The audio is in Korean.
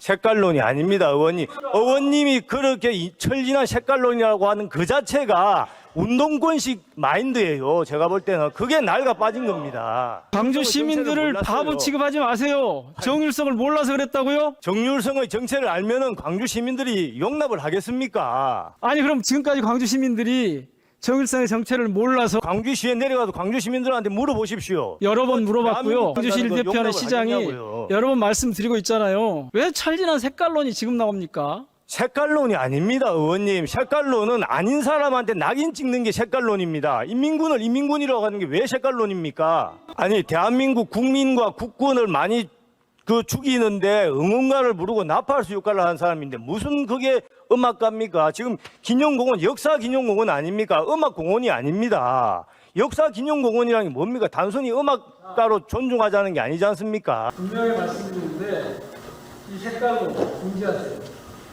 색깔론이 아닙니다, 의원님. 의원님이 그렇게 천진한 색깔론이라고 하는 그 자체가 운동권식 마인드예요. 제가 볼 때는 그게 낡아 빠진 겁니다. 광주 시민들을 몰랐어요. 바보 취급하지 마세요. 정율성을 몰라서 그랬다고요? 정률성의 정체를 알면은 광주 시민들이 용납을 하겠습니까? 아니 그럼 지금까지 광주 시민들이 정율성의 정체를 몰라서 광주시에 내려가서 광주 시민들한테 물어보십시오. 여러 번 물어봤고요. 대한민국 광주시를 간다는 거 대표하는 용납을 시장이 하겠냐고요. 여러 번 말씀드리고 있잖아요. 왜 찰진한 색깔론이 지금 나옵니까? 색깔론이 아닙니다, 의원님. 색깔론은 아닌 사람한테 낙인 찍는 게 색깔론입니다. 인민군을 인민군이라고 하는 게 왜 색깔론입니까? 아니, 대한민국 국민과 국군을 많이 죽이는데 응원가를 부르고 나팔수 역할을 하는 사람인데 무슨 그게 음악가입니까? 지금 기념공원, 역사기념공원 아닙니까? 음악공원이 아닙니다. 역사기념공원이라는 게 뭡니까? 단순히 음악가로 존중하자는 게 아니지 않습니까? 분명히 말씀드리는데 이 색깔론 금지하세요.